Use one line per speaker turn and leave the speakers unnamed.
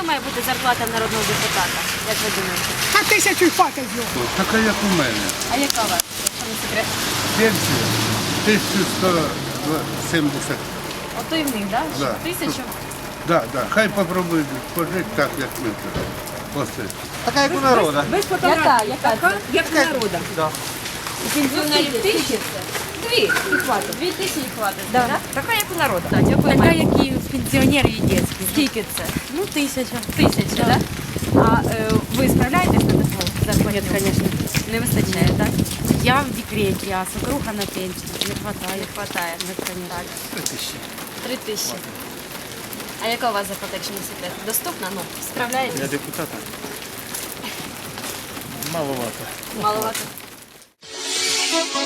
має бути зарплата народного депутата? Як ви думаєте?
А 1000 хватить його.
Така як у мене.
А яка у вас? Якщо не секрет?
Пенсія 1170.
Ото і в них, так?
Да.
1000?
Да. Хай попробують пожити так, як ми тут. Оце.
Така як у народу.
Яка? Яка?
Як народа.
У пенсіонерів 1000? Дві. І хватить. 2000 хватить, так?
Така як у народу.
Так, дякую.
Така, як і пенсіонери і дітські.
Скільки це?
Ну, 1000.
1000, так? А ви справляєтесь на таку зарплату?
Звісно.
Не вистачає, так?
Я в декреті, а супруга на пенсії. Не хватає.
Не хватає. Так. 3000. А яка у вас зарплата, якщо не секрет? Доступна? Ну, справляєтесь?
Для депутата. Маловато.
Маловато.